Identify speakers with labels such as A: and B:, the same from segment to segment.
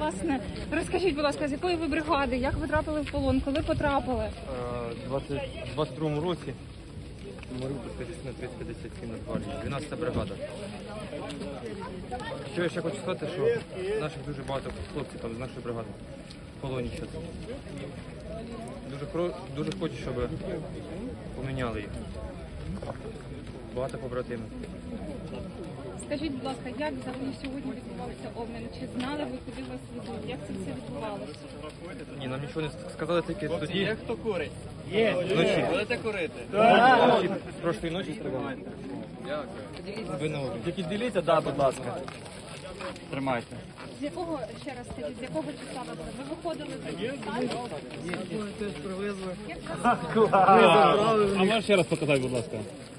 A: Власне, розкажіть, будь ласка, з якої ви бригади, як ви трапили в полон, коли потрапили?
B: У 22-му році Маріупольська частина 357 Нацгвардії, 12-та бригада. Що я ще хочу сказати, що наших дуже багато хлопців там з нашої бригади в полоні зараз. Дуже хочу, щоб поміняли їх. Багато побратимів.
A: Скажіть, будь ласка, як взагалі сьогодні відбувався обмін? Чи знали ви, куди вас ведуть? Як це все відбувалося?
B: Ні, нам нічого не сказали, тільки тоді.
C: Є хто курить?
B: Вночі.
C: Будете курити?
B: Вночі, прошлої ночі стріляли. Ви на облі.
C: Тільки діліться, да, будь ласка. Тримайте.
A: З якого, ще раз скажіть, з якого числа ви були? Ви виходили з
C: Теж привезли.
D: А можеш ще раз показати, будь ласка?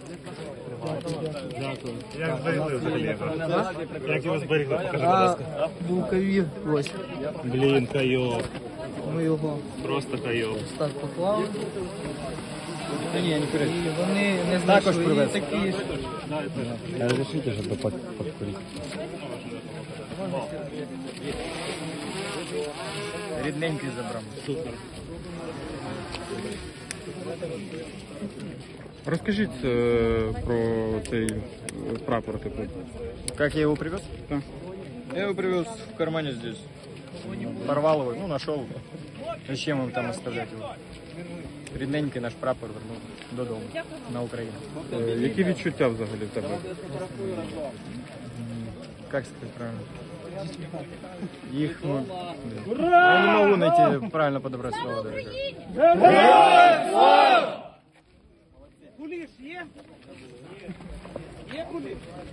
D: Дякую. Як зберегли взагалі його? Як його зберегли? Покажи, будь ласка.
E: Був ковід, ось.
D: Блін, кайов.
E: Ми його
D: Просто кайов.
E: так поклали.
C: Ні, не курить.
E: І вони не знайшли. І такі ж.
D: Разрешите, чтобы покурить?
C: Рідненький забрав.
D: Супер.
F: Розкажіть про цей прапор.
C: Как я его привез? Я его привез в кармане здесь. Порвал его, ну нашел. Зачем им там оставлять его? Рідненький наш прапор вернув додому на Україну.
F: Які відчуття взагалі в тебе?
C: Как сказать правильно? Их, ну, я не могу найти правильно подобрать слово даже.